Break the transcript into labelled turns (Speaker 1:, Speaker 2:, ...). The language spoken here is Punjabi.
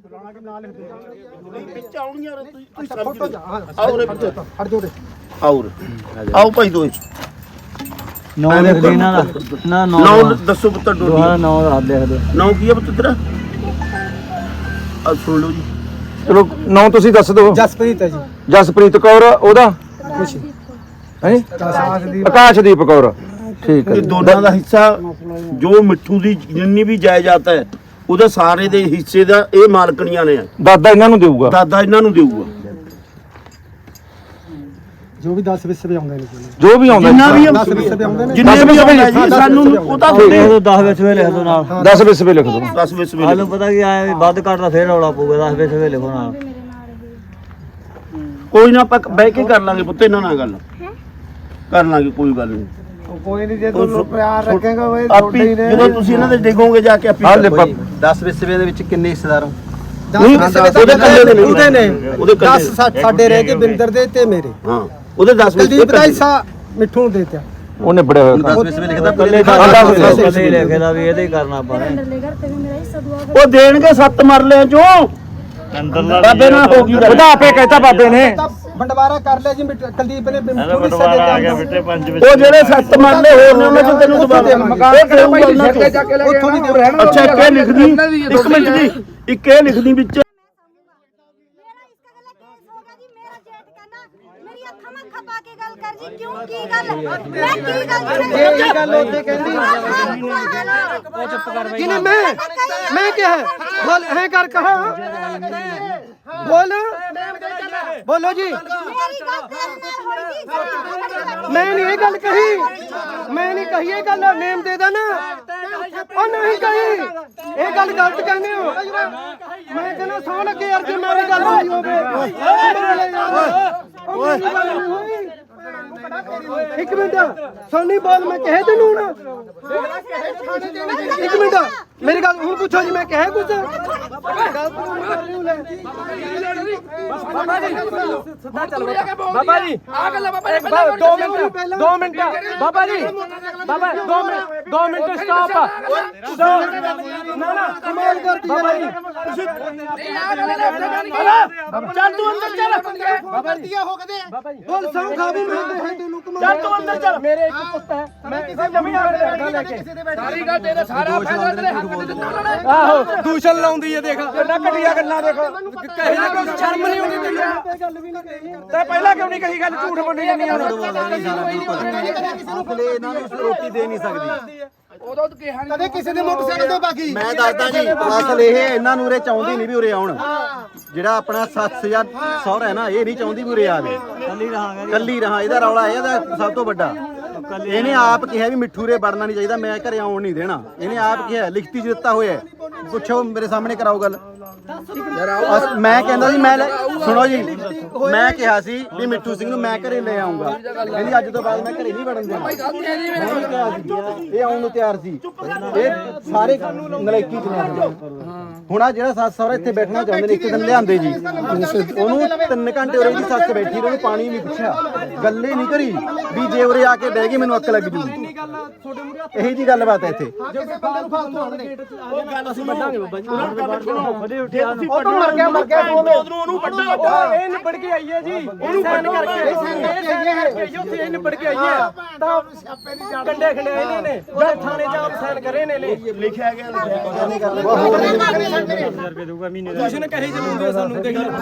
Speaker 1: ਵਿੱਚ ਆਉਣੀਆਂ ਆਓ ਭਾਈ ਦੋਏ
Speaker 2: ਨੌ ਲਿਖ ਦੇ ਇਹਨਾਂ ਦਾ ਨਾ
Speaker 1: ਨੌ ਦੱਸੋ ਪੁੱਤਰ ਡੋਡੀ
Speaker 2: ਨੌ ਰਾਤ ਲਿਖ ਦੇ
Speaker 1: ਨੌ ਕੀ ਹੈ ਪੁੱਤਰ ਤੇਰਾ ਆ ਸੁਣ ਲਓ ਜੀ
Speaker 3: ਚਲੋ ਨਾਂ ਤੁਸੀਂ ਦੱਸ ਦਿਓ।
Speaker 4: ਜਸਪ੍ਰੀਤ ਹੈ ਜੀ।
Speaker 3: ਜਸਪ੍ਰੀਤ ਕੌਰ ਉਹਦਾ
Speaker 4: ਖੁਸ਼ੀ
Speaker 3: ਹੈ ਆਕਾਸ਼ਦੀਪ ਕੌਰ ਠੀਕ ਹੈ
Speaker 1: ਇਹ ਦੋਨਾਂ ਦਾ ਹਿੱਸਾ ਜੋ ਮਿੱਠੂ ਦੀ ਜਿੰਨੀ ਵੀ ਜਾਇਦਾਦ ਹੈ ਉਹਦੇ ਸਾਰੇ ਦੇ ਹਿੱਸੇ ਦਾ ਇਹ ਮਾਲਕਣੀਆਂ ਨੇ
Speaker 3: ਦਾਦਾ ਇਹਨਾਂ ਨੂੰ ਦੇਊਗਾ
Speaker 1: ਦਾਦਾ ਇਹਨਾਂ ਨੂੰ ਦੇਊਗਾ
Speaker 4: ਜੋ ਵੀ 10 ਵਿਸਵੇ ਆਉਂਦੇ ਨੇ
Speaker 3: ਜੋ ਵੀ ਆਉਂਦਾ
Speaker 1: ਜਿੰਨਾ ਵੀ
Speaker 4: 10 ਵਿਸਵੇ ਆਉਂਦੇ ਨੇ
Speaker 1: ਜਿੰਨੇ ਵੀ ਆਉਂਦਾ ਜੀ ਸਾਨੂੰ ਉਹ ਤਾਂ
Speaker 2: ਲਿਖ ਦੋ 10 ਵਿੱਚ ਵੇ ਲਿਖ ਦੋ ਨਾਲ
Speaker 3: 10 ਵਿਸਵੇ ਲਿਖ ਦਿਓ
Speaker 1: 10 ਵਿੱਚ ਵੀ
Speaker 2: ਹਾਲੂ ਪਤਾ ਕੀ ਆਇਆ ਵੀ ਵੱਧ ਘੱਟ ਦਾ ਫੇਰ ਰੌਲਾ ਪਊਗਾ 10 ਵਿੱਚ ਵੇ ਲਿਖੋ ਨਾਲ
Speaker 1: ਕੋਈ ਨਾ ਆਪਾਂ ਬਹਿ ਕੇ ਕਰ ਲਾਂਗੇ ਪੁੱਤ ਇਹਨਾਂ ਨਾਲ ਗੱਲ ਕਰ ਲਾਂਗੇ ਕੋਈ ਗੱਲ ਨਹੀਂ
Speaker 4: ਕੋਈ ਨਹੀਂ ਜੇ ਤੂੰ ਪਿਆਰ ਰੱਖੇਗਾ ਉਹ
Speaker 1: ਆਪੀ ਜਦੋਂ ਤੁਸੀਂ ਇਹਨਾਂ ਦੇ ਡਿੱਗੋਗੇ ਜਾ ਕੇ ਆਪੀ
Speaker 5: 10 ਵਿਸਵੇ ਦੇ ਵਿੱਚ ਕਿੰਨੇ ਹਿੱਸੇਦਾਰ ਹੋ?
Speaker 1: ਉਹਦੇ ਕੱਲੇ ਦੇ
Speaker 4: ਉਹਦੇ ਨੇ
Speaker 1: ਉਹਦੇ
Speaker 4: 10 ਸਾਡੇ ਰਹਿ ਗਏ ਬਿੰਦਰ ਦੇ ਤੇ ਮੇਰੇ
Speaker 1: ਹਾਂ ਉਹਦੇ 10 ਵਿੱਚ
Speaker 4: ਕੁਲਦੀਪ ਦਾ ਹਿੱਸਾ ਮਿੱਠੂ ਨੂੰ ਦੇ ਦਿੱਤਾ
Speaker 3: ਉਹ ਨਿਬੜਿਆ ਹੋਇਆ
Speaker 5: 10 ਵਿਸਵੇ ਲਿਖਦਾ
Speaker 2: ਕੱਲੇ ਕੱਲੇ ਲਿਖਦਾ ਵੀ ਇਹਦੇ ਹੀ ਕਰਨਾ ਆਪਾਂ
Speaker 1: ਉਹ ਦੇਣਗੇ 7 ਮਰਲਿਆਂ ਚੋਂ ਬਾਬੇ ਨਾਲ ਹੋ ਗਈ
Speaker 3: ਉਹਦਾ ਆਪੇ ਕਹਿਤਾ ਬਾਬੇ ਨੇ
Speaker 4: ਬੰਡਵਾਰਾ ਕਰ ਲਿਆ ਜੀ ਕੁਲਦੀਪ ਨੇ ਮਿੱਠੂ ਨੂੰ ਹਿੱਸਾ ਦੇ ਦਿੱਤਾ
Speaker 1: ਉਹ ਜਿਹੜੇ 7 ਮਰਲੇ ਹੋਰ ਨੇ ਉਹਨਾਂ ਚੋਂ ਤੈਨੂੰ ਦੁਬਾਰਾ ਮਕਾਨ ਦੇਊਗਾ ਉਹਨਾਂ ਚੋਂ
Speaker 4: ਉੱਥੋਂ ਨਹੀਂ ਰਹਿਣਾ
Speaker 1: ਅੱਛਾ ਇੱਕ ਇਹ ਲਿਖਦੀ ਇੱਕ ਮਿੰਟ ਦੀ ਇੱਕ ਇਹ ਲਿਖਦੀ ਵਿੱਚ
Speaker 4: ਇਹ ਗੱਲ ਉੱਥੇ ਕਹਿੰਦੀ ਜਿਹਨੇ ਮੈਂ ਕਿਹਾ ਬੋਲ ਹੈ ਕਰ ਕਹਾ ਬੋਲੋ ਜੀ ਮੈਂ ਨਹੀਂ ਇਹ ਗੱਲ ਕਹੀ ਮੈਂ ਨਹੀਂ ਕਹੀ ਇਹ ਗੱਲ ਨੇਮ ਦੇ ਦੇਣਾ ਉਹ ਨਹੀਂ ਕਹੀ ਇਹ ਗੱਲ ਗਲਤ ਕਹਿੰਦੇ ਹੋ ਮੈਂ ਕਹਿੰਦਾ ਸੌ ਲੱਗੇ ਯਾਰ ਜੇ ਮੇਰੀ ਗੱਲ ਨਹੀਂ ਹੋਵੇ ਓਏ ਇੱਕ ਮਿੰਟ ਸੋਨੀ ਬੋਲ ਮੈਂ ਕਹੇ ਤੈਨੂੰ ਹੁਣ ਇੱਕ ਮਿੰਟ ਮੇਰੀ ਗੱਲ ਹੁਣ ਪੁੱਛੋ ਜੀ ਮੈਂ ਕਹੇ ਕੁਝ ਬਾਬਾ ਜੀ ਆ ਗੱਲ ਬਾਬਾ 2 ਮਿੰਟ ਬਾਬਾ ਜੀ ਬਾਬਾ 2 ਮਿੰਟ ਸਟਾਪ ਨਾ ਕਮਾਲ ਕਰਦੀ ਬਾਬਾ ਜੀ
Speaker 1: ਚੱਲ ਤੂੰ ਅੰਦਰ ਚੱਲ
Speaker 4: ਬਾਬਾ ਜੀ ਹੋ ਕਦੇ ਬੋਲ ਸੌ ਖਾ ਵੀ ਮੈਂ ਦੇ ਤੈਨੂੰ ਕਮਾਲ
Speaker 1: ਚੱਲ ਤੂੰ ਅੰਦਰ ਚੱਲ
Speaker 4: ਮੇਰੇ ਇੱਕ ਪੁੱਤ ਹੈ ਮੈਂ ਕਿਸੇ ਜ਼ਮੀਨ ਤੇ ਲੈ ਕੇ
Speaker 1: ਸਾਰੀ ਗੱਲ ਤੇਰੇ ਸਾਰਾ ਫੈਸਲਾ ਤੇਰੇ ਹੱਕ ਦੇ ਦਿੱਤਾ ਉਹਨਾਂ ਨੇ
Speaker 4: ਆਹੋ ਦੂਸ਼ਣ ਲਾਉਂਦੀ ਹੈ ਦੇਖ ਕਿੰਨਾ ਘਟੀਆ ਗੱਲਾਂ ਦੇਖ ਕਹੇ ਨਾ ਕੋਈ ਸ਼ਰਮ ਨਹੀਂ ਆਉਂਦੀ ਤੈਨੂੰ ਗੱਲ ਵੀ ਨਹੀਂ ਕਹੀ ਤੇ ਪਹਿਲਾਂ ਕਿਉਂ ਨਹੀਂ ਕਹੀ ਗੱਲ ਝੂਠ ਬੋਲੀ ਜਾਂਦੀ ਆ
Speaker 5: ਅਸਲੇ ਇਹਨਾਂ ਨੂੰ ਰੋਟੀ ਦੇ ਨਹੀਂ ਸਕਦੀ
Speaker 4: ਉਦੋਂ ਤਾਂ ਕਿਹਾ ਨਹੀਂ ਕਦੇ ਕਿਸੇ ਦੇ ਮੋਟਰਸਾਈਕਲ ਤੇ ਬਾਕੀ
Speaker 5: ਮੈਂ ਦੱਸਦਾ ਜੀ ਅਸਲ ਇਹ ਇਹਨਾਂ ਨੂੰ ਉਰੇ ਚਾਹੁੰਦੀ ਨਹੀਂ ਵੀ ਉਰੇ ਆਉਣ ਜਿਹੜਾ ਆਪਣਾ ਸੱਸ ਜਾਂ ਸਹੁਰਾ ਹੈ ਨਾ ਇਹ ਨਹੀਂ ਚਾਹੁੰਦੀ ਵੀ ਉਰੇ ਆਵੇ ਕੱਲੀ ਰਹਾ ਇਹਦਾ ਰੌਲਾ ਇਹਦਾ ਸਭ ਤੋਂ ਵੱਡਾ ਇਹਨੇ ਆਪ ਕਿਹਾ ਵੀ ਮਿੱਠੂ ਰੇ ਵੜਨਾ ਨਹੀਂ ਚਾਹੀਦਾ ਮੈਂ ਘਰੇ ਆਉਣ ਨਹੀਂ ਦੇਣਾ ਇਹਨੇ ਆਪ ਕਿਹਾ ਲਿਖਤੀ ਚ ਦਿੱਤਾ ਹੋਇਆ ਪੁੱਛੋ ਮੇਰੇ ਸਾਹਮਣੇ ਕਰਾਓ ਗੱਲ ਮੈਂ ਕਹਿੰਦਾ ਸੀ ਮੈਂ ਸੁਣੋ ਜੀ ਮੈਂ ਕਿਹਾ ਸੀ ਵੀ ਮਿੱਠੂ ਸਿੰਘ ਨੂੰ ਮੈਂ ਘਰੇ ਲੈ ਆਉਂਗਾ ਕਹਿੰਦੀ ਅੱਜ ਤੋਂ ਬਾਅਦ ਮੈਂ ਘਰੇ ਨਹੀਂ ਵੜਨ ਦੇਣਾ ਇਹ ਆਉਣ ਨੂੰ ਤਿਆਰ ਸੀ ਇਹ ਸਾਰੇ ਨਲਾਇਕੀ ਚ ਨੇ ਹੁਣ ਆ ਜਿਹੜਾ ਸੱਸ ਸਹੁਰਾ ਇੱਥੇ ਬੈਠਣਾ ਚਾਹੁੰਦੇ ਨੇ ਇੱਕ ਦਿਨ ਲਿਆਂਦੇ ਜੀ ਉਹਨੂੰ 3 ਘੰਟੇ ਉਰੇ ਦੀ ਸੱਸ ਬੈਠੀ ਉਹਨੂੰ ਪਾਣੀ ਨਹੀਂ ਪੁੱਛਿਆ ਗੱਲੇ ਨਹੀਂ ਕਰੀ ਵੀ ਜੇ ਉਰੇ ਆ ਕੇ ਬਹਿ ਗਈ ਮੈਨੂੰ ਅੱਕ ਲੱਗ ਜੂਗੀ ਇਹੀ ਜੀ ਗੱਲਬਾਤ ਹੈ ਇੱਥੇ
Speaker 1: ਉਹ ਗੱਲ ਅਸੀਂ ਵੱਢਾਂਗੇ ਬਾਬਾ ਜੀ
Speaker 4: ਉਹ ਤਾਂ ਮਰ ਗਿਆ
Speaker 1: ਉਹਨੂੰ ਵੱਢਾ
Speaker 4: ਇਹ ਨਿਬੜ ਕੇ ਆਈ ਹੈ ਜੀ ਇਹਨੂੰ ਬੰਦ ਕਰਕੇ ਇਹ ਨਿਬੜ ਕੇ ਆਈ ਹੈ ਤਾਂ ਕੰਡੇ ਖੰਡੇ ਇਹਨਾਂ ਨੇ ਜਿਹੜੇ ਥਾਣੇ ਚ ਆਪ ਸਾਈਨ ਕਰੇ ਨੇ
Speaker 1: ਲਿਖਿਆ ਗਿਆ
Speaker 4: ਤੁਸੀਂ ਨੇ ਕਹੀ ਚਲਾਉਂਦੇ ਸਾਨੂੰ ਦੇਖ